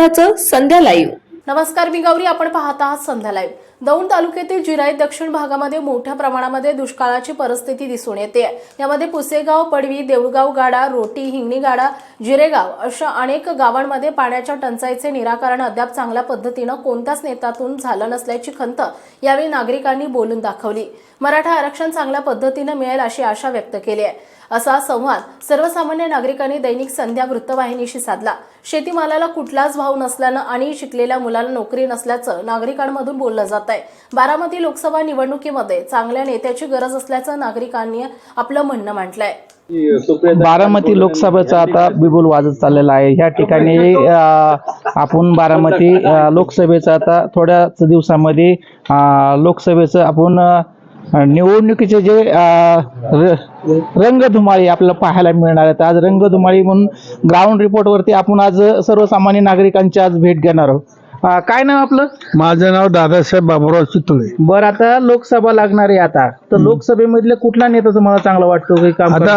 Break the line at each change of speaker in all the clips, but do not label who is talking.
विरोधाचं संध्या live.
नमस्कार, मी गौरी. आपण पाहत आहात संध्या लाईव्ह. दौंड तालुक्यातील जिरायत दक्षिण भागामध्ये मोठ्या प्रमाणामध्ये दुष्काळाची परिस्थिती दिसून येते। यामध्ये पुसेगाव, पडवी, देऊळगाव गाडा, रोटी, हिंगणी गाडा, जिरेगाव अशा अनेक गावांमध्ये पाण्याच्या टंचाईचे निराकरण अद्याप चांगल्या पद्धतीने कोणत्याच नेत्यातून झालं नसल्याची खंत यावेळी नागरिकांनी बोलून दाखवली। मराठा आरक्षण चांगल्या पद्धतीने मिळेल अशी आशा व्यक्त केली आहे, असा संवाद सर्वसामान्य नागरिकांनी दैनिक संध्या वृत्तवाहिनीशी साधला। शेतीमालाला कुठलाच भाव नसल्यानं आणि शिकलेल्या मुलाला नोकरी नसल्याचं नागरिकांमधून बोललं जात आहे। बारामती लोकसभा निवडणुकीमध्ये चांगल्या नेत्याची गरज असल्याचं नागरिकांनी आपलं म्हणणं मांडलंय।
बारामती लोकसभेचा आता बिगुल वाजत चाललेला आहे। ह्या ठिकाणी आपण बारामती लोकसभेचा आता थोड्याच दिवसामध्ये लोकसभेचं आपण निवडणुकीचे जे रंगधुमाळी आपल्याला पाहायला मिळणार आहेत। आज रंगधुमाळी म्हणून ग्राउंड रिपोर्टवरती आपण आज सर्वसामान्य नागरिकांची आज भेट घेणार आहोत। काय नाव आपलं?
माझं नाव दादासाहेब बाबूराव चितळे।
बरं, आता लोकसभा लागणार आहे आता, तर लोकसभेमधले कुठला नेता तुम्हाला चांगला वाटतो काही काम?
आता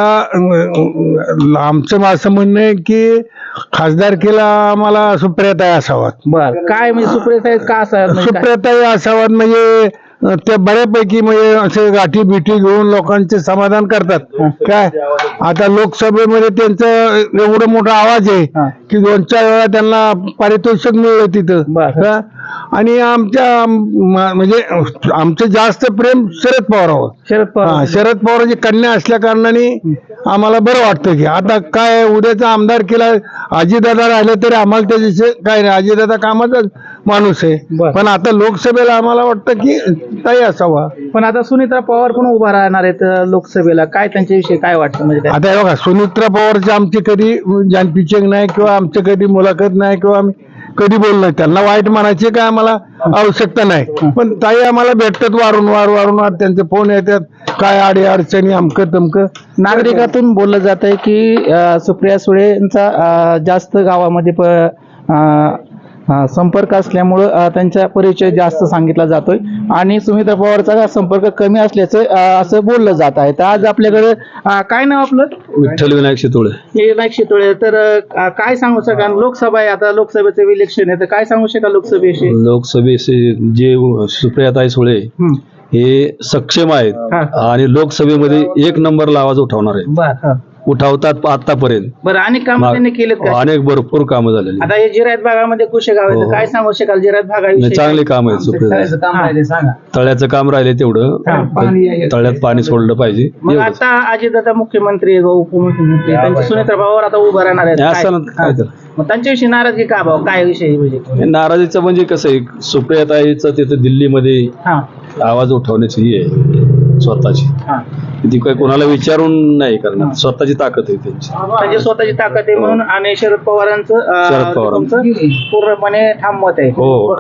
आमचं असं म्हणणं आहे की खासदारकीला आम्हाला सुप्रियाताई असावात।
बरं, काय म्हणजे सुप्रियाताई का असाव्यात?
सुप्रियाताई असावात म्हणजे ते बऱ्यापैकी म्हणजे असे गाठी बिठी घेऊन लोकांचे समाधान करतात। काय आता लोकसभेमध्ये त्यांचं एवढं मोठा आवाज आहे की 2-4 वेळा त्यांना पारितोषिक मिळलं तिथं। आणि आमच्या म्हणजे आमचं जास्त प्रेम शरद पवारावर। शरद पवारांची कन्या असल्या कारणाने आम्हाला बरं वाटतं की आता काय उद्याचा आमदार केला अजितदादा राहिले तरी आम्हाला त्याच्याशी काय नाही, अजितदादा कामाचा माणूस आहे। पण आता लोकसभेला आम्हाला वाटतं की ताई असावा।
पण आता सुनीत्रा पवार पण उभा राहणार आहेत लोकसभेला, काय त्यांच्याविषयी काय वाटतं? म्हणजे
आता हे बघा, सुनीत्रा पवारची आमची कधी जानपिचक नाही किंवा आमची कधी मुलाखत नाही किंवा आम्ही कधी बोललो नाही, त्यांना वाईट म्हणायची काय आम्हाला आवश्यकता नाही। पण ताई आम्हाला भेटतात वारंवार त्यांचे फोन येतात, काय अडी अडचणी अमकं तमकं।
नागरिकातून बोललं जात आहे की सुप्रिया सुळेंचा जास्त गावामध्ये संपर्क असल्यामुळं त्यांचा परिचय जास्त सांगितला जातोय आणि सुमित्रा पवारचा संपर्क कमी असल्याचं असं बोललं जात आहे। तर आज आपल्याकडे काय नाव आपलं?
विठ्ठल विनायक शितोळे।
विनायक शितोळे, तर काय सांगू शकाल? लोकसभा आहे आता, लोकसभेचं इलेक्शन आहे, तर काय सांगू शकाल लोकसभेविषयी?
लोकसभेचे जे सुप्रियाताई सुळे हे सक्षम आहेत आणि लोकसभेमध्ये 1 नंबरला आवाज उठवणार आहे, उठवतात आतापर्यंत।
बरं, अनेक कामं त्यांनी केलेत का?
अनेक भरपूर कामं झालेली।
आता हे जिरायत भागामध्ये कुशेगाव आहे, तर काय सांगू शकाल जिरायत भागाविषयी?
चांगले काम आहेत सुप्रियाताई। तळ्याचं काम राहिले तेवढं, तळ्यात पाणी सोडलं पाहिजे।
मग आता अजितदादा मुख्यमंत्री उपमुख्यमंत्री त्यांची सुनेत्रा पवार आता उभं राहणार आहेत,
असं काय तर
मग त्यांच्याविषयी नाराजगी का भाऊ? काय विषय म्हणजे
नाराजीचं म्हणजे कसं आहे, सुप्रियाताईचं तिथं दिल्लीमध्ये आवाज उठवण्याची ही आहे स्वतःची, ती काय कोणाला विचारून नाही करणार, स्वतःची ताकद आहे त्यांची
स्वतःची ताकद आहे म्हणून। आणि शरद पवारांचं पूर्णपणे ठाम मत आहे।
हो।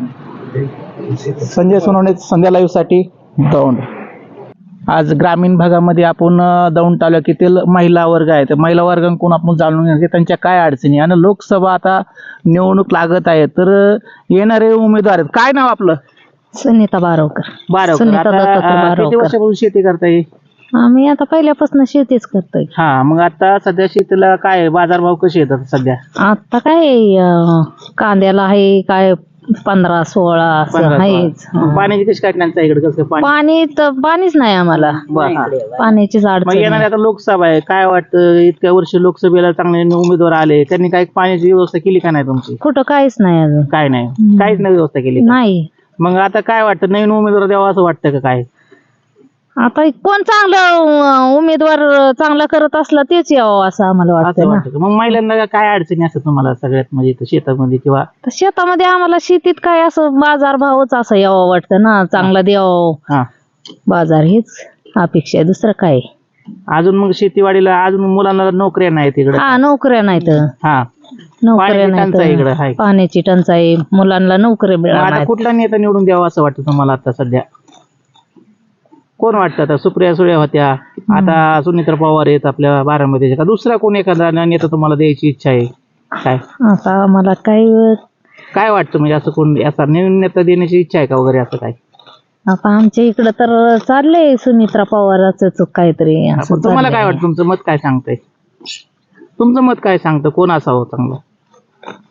संजय सोनवणे, संध्या लाईव्ह साठी दौंड। आज ग्रामीण भागामध्ये आपण दौंड तालुक्यातील महिला वर्ग आहे, तर महिला वर्गांकडून आपण जाणून घेण्याचे त्यांच्या काय अडचणी आणि लोकसभा आता निवडणूक लागत आहे, तर येणारे उमेदवार आहेत। काय नाव आपलं?
सुनीता बारवकर।
किती वर्षापासून शेती करताय?
आम्ही आता पहिल्यापासून शेतीच करतोय।
मग आता सध्या शेतीला काय बाजारभाव कसे येतात सध्या?
आता काय कांद्याला आहे काय 15-16 असं आहेच।
पाण्याची कशी काय टंचाई इकडे? कसं
पाणी तर पाणीच नाही आम्हाला, पाण्याचीच अडचण आहे।
येणारी आता लोकसभा आहे, काय वाटतं इतक्या वर्ष लोकसभेला चांगले उमेदवार आले, त्यांनी काय पाण्याची व्यवस्था केली का नाही तुमची?
कुठं काहीच नाही अजून,
काय नाही, काहीच नाही व्यवस्था केली
नाही।
मग आता काय वाटतं, नवीन उमेदवार द्यावा असं वाटतं का काय?
आता कोण चांगलं उमेदवार चांगला करत असला तेच यावं असं आम्हाला वाटतं।
मग महिलांना काय अडचणी असतात तुम्हाला सगळ्यात, म्हणजे शेतामध्ये किंवा
शेतामध्ये? आम्हाला शेतीत काय असं बाजार भावच असं यावं वाटतं ना, चांगला द्यावं बाजार, हेच अपेक्षा आहे, दुसरं काय?
अजून मग शेतीवाडीला अजून मुलांना नोकऱ्या नाहीत इकडे?
नोकऱ्या नाहीत, नोकऱ्या नाही, पाण्याची टंचाई, मुलांना नोकरी मिळाल्या।
कुठला नेता निवडून द्यावा असं वाटतं तुम्हाला आता सध्या? कोण वाटतं? आता सुप्रिया सुळे होत्या, आता सुनीत्रा पवार आहेत आपल्या बारामतीच्या, का दुसरा कोण एखादा नेता तुम्हाला द्यायची इच्छा आहे काय?
आता आम्हाला
काय वाटतं, म्हणजे असं कोण असा नवीन नेता देण्याची इच्छा आहे का वगैरे असं काय?
आता आमच्या इकडं तर चाललंय सुनीत्रा पवाराचं काहीतरी।
तुम्हाला काय वाटतं? तुमचं मत काय सांगतंय? तुमचं मत काय सांगतं, कोण असावं चांगलं?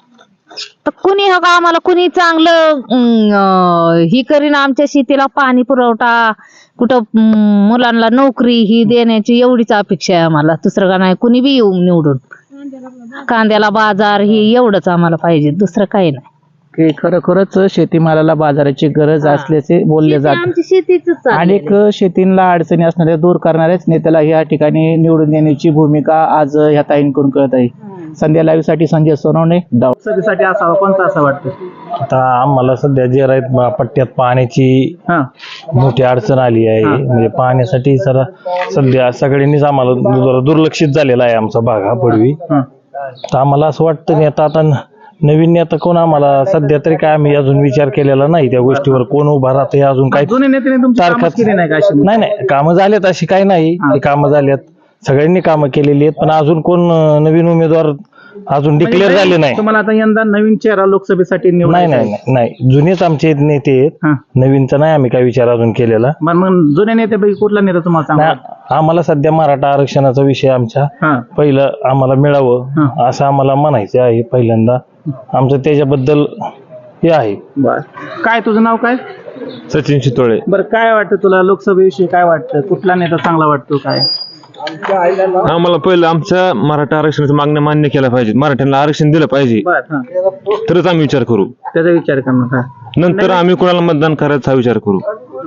तर कुणी हो का आम्हाला कुणी चांगलं ही करीन आमच्या शेतीला पाणी पुरवठा कुठं मुलांना नोकरी ही देण्याची एवढीच अपेक्षा आहे आम्हाला. दुसरं का नाही, कुणी बी येऊन निवडून. कांद्याला बाजार ही एवढंच आम्हाला पाहिजे, दुसरं काही नाही.
की खरोखरच शेतीमालाला बाजाराची गरज असल्याचे बोलले जाते.
आमची शेतीच
अनेक शेतींना अडचणी असणाऱ्या दूर करणाऱ्याच नेत्याला या ठिकाणी निवडून देण्याची भूमिका आज ह्या ताईंकडून कळत आहे. संध्या लाईव्ह साठी संजय सोनवणे, साठी असावा कोणता असं वाटतं?
आता आम्हाला सध्या जे राहत पट्ट्यात पाण्याची मोठी अडचण आली आहे. म्हणजे पाण्यासाठी सध्या सगळ्यांनीच आम्हाला जरा दुर्लक्षित झालेला आहे आमचा भाग हा पडवी. तर आम्हाला असं वाटतं नेता आता नवीन नेता कोण आम्हाला सध्या तरी काय आम्ही अजून विचार केलेला नाही त्या गोष्टीवर. कोण उभा राहते अजून काही
जुने नेत्याने तुमची कामं केली नाही का अशी?
नाही कामं झालेत अशी काही नाही. कामं झाल्यात, सगळ्यांनी कामं केलेली आहेत, पण अजून कोण नवीन उमेदवार अजून डिक्लेअर झाले नाही.
तुम्हाला आता यंदा नवीन चेहरा लोकसभेसाठी
नाही जुनेच आमचे नेते आहेत. नवीनचा नाही आम्ही काय विचार अजून केलेला.
मग जुन्या नेत्यापैकी कुठला नेता तुम्हाला चांगला?
आम्हाला सध्या मराठा आरक्षणाचा विषय आमच्या पहिलं आम्हाला मिळावं असं आम्हाला म्हणायचं आहे पहिल्यांदा. आमचं त्याच्याबद्दल हे आहे.
काय तुझं नाव काय?
सचिन चितोळे.
बरं, काय वाटतं तुला लोकसभेविषयी? काय वाटतं, कुठला नेता चांगला वाटतो? काय
आम्हाला पहिलं आमच्या मराठा आरक्षणाच्या मागण्या मान्य केल्या पाहिजेत. मराठ्यांना आरक्षण दिलं पाहिजे, तरच आम्ही विचार करू.
त्याचा विचार करणार.
नंतर आम्ही कोणाला मतदान करायचा हा विचार करू.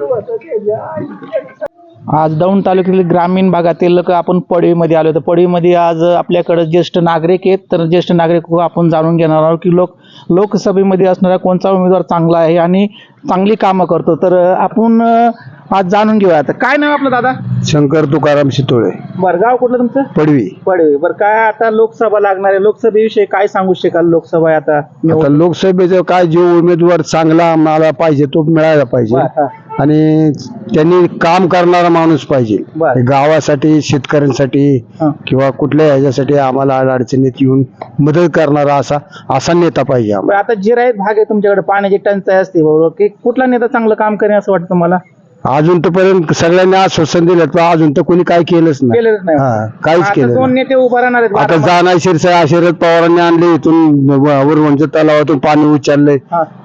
आज दौंड तालुक्यातील ग्रामीण भागातील आपण पडवीमध्ये आलो. तर पडवीमध्ये आज आपल्याकडे ज्येष्ठ नागरिक आहेत. तर ज्येष्ठ नागरिक आपण जाणून घेणार आहोत की लोकसभेमध्ये असणारा कोणता उमेदवार चांगला आहे आणि चांगली कामं करतो. तर आपण आज जाणून घेऊया. आता काय नाव आपलं दादा?
शंकर तुकाराम शितोळे.
बरं, गाव कुठलं तुमचं?
पडवी.
पडवी. बरं, काय आता लोकसभा लागणार आहे, लोकसभेविषयी काय सांगू शकाल? लोकसभा आहे आता
लोकसभेचं काय जो उमेदवार चांगला आम्हाला पाहिजे तो मिळायला पाहिजे आणि त्यांनी काम करणारा माणूस पाहिजे. गावासाठी, शेतकऱ्यांसाठी किंवा कुठल्या ह्याच्यासाठी आम्हाला अडचणीत येऊन मदत करणारा असा नेता पाहिजे.
आता जिरायत भाग आहे तुमच्याकडे, पाण्याची टंचाई असते बरोबर, की कुठला नेता चांगलं काम करेल असं वाटतं तुम्हाला?
अजून पर्यंत सगळ्यांनी आश्वासन दिलं पण अजून तर कोणी काय केलंच नाही. काहीच केलं
दोन नेते उभा राहणार आहेत.
आता जाणार शरद पवारांनी आणले इथून वरवंच्या तलावातून पाणी उचललंय,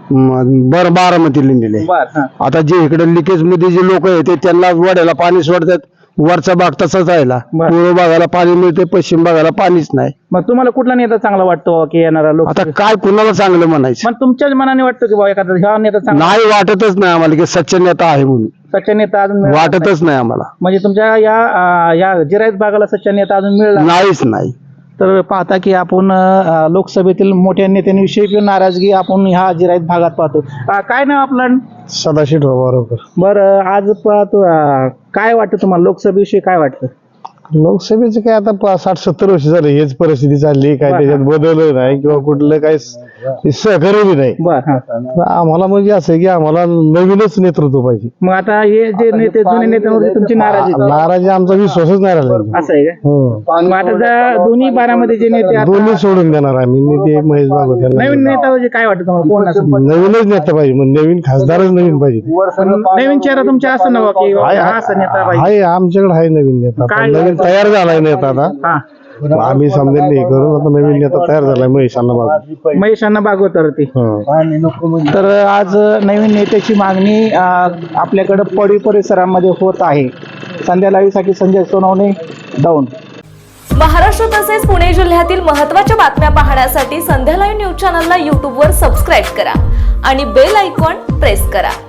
बरं बारामतीला नेले. आता जे इकडे लिकेज मध्ये जे लोक आहेत त्यांना वड्याला पाणी सोडतात. वरचा भाग तसाच राहिला. पूर्व भागाला पाणी मिळते, पश्चिम भागाला पाणीच नाही.
मग तुम्हाला कुठला नेता चांगला वाटतो की येणारा लोक?
आता काय कुणाला चांगलं म्हणायचं?
पण तुमच्याच मनाने वाटतं की बाबा एखादा ह्या नेता चांगला?
नाही, वाटतच नाही आम्हाला की सच्चा नेता आहे म्हणून.
सच्चा नेता अजून
वाटतच नाही आम्हाला.
म्हणजे तुमच्या या जिरायत भागाला सच्चा नेता अजून मिळाला
नाहीच नाही.
तर पाहता की आपण लोकसभेतील मोठ्या नेत्यांविषयी नाराजगी आपण ह्या जिरायत भागात पाहतो. काय नाव आपलं?
सदाशिव बरोबर.
बरं, आज पाहतो काय वाटतं तुम्हाला लोकसभेविषयी? काय वाटतं?
लोकसभेचे काय आता 60-70 वर्ष झाले हेच परिस्थिती चालली. काय त्याच्यात बदल नाही किंवा कुठलं काही सहकार्य बी नाही. आम्हाला म्हणजे असं आहे की आम्हाला नवीनच नेतृत्व पाहिजे.
मग आता हे जे नेते जुने नेत्यांवरती तुमची
नाराजी आमचा विश्वासच नाही राहिला.
असं आहे का? मग आता दोन्ही बारामध्ये जे नेते
दोन्ही सोडून देणार आम्ही. नेते महेश भागवत यांना.
नवीन नेता म्हणजे काय वाटतं तुम्हाला? कोण असं
नवीनच नेता पाहिजे, मग नवीन खासदारच नवीन पाहिजे.
नवीन चेहरा तुमच्या असं नव्हा की हा असं नेता पाहिजे?
आहे, आमच्याकडे आहे नवीन नेता. नवीन तयार झालाय नेता आता. आम्ही समजेल हे करून आता नवीन नेता तयार झालाय
महेशांना भागवत. तर आज नवीन नेत्याची मागणी आपल्याकडे पडवी परिसरामध्ये होत आहे. संध्या लाईव्ह साठी संजय सोनवणे, दौंड.
महाराष्ट्र तसेच पुणे जिल्ह्यातील महत्त्वाच्या बातम्या पाहण्यासाठी संध्या लाईव्ह न्यूज चॅनलला यूट्यूबवर सबस्क्राईब करा आणि बेल आयकॉन प्रेस करा.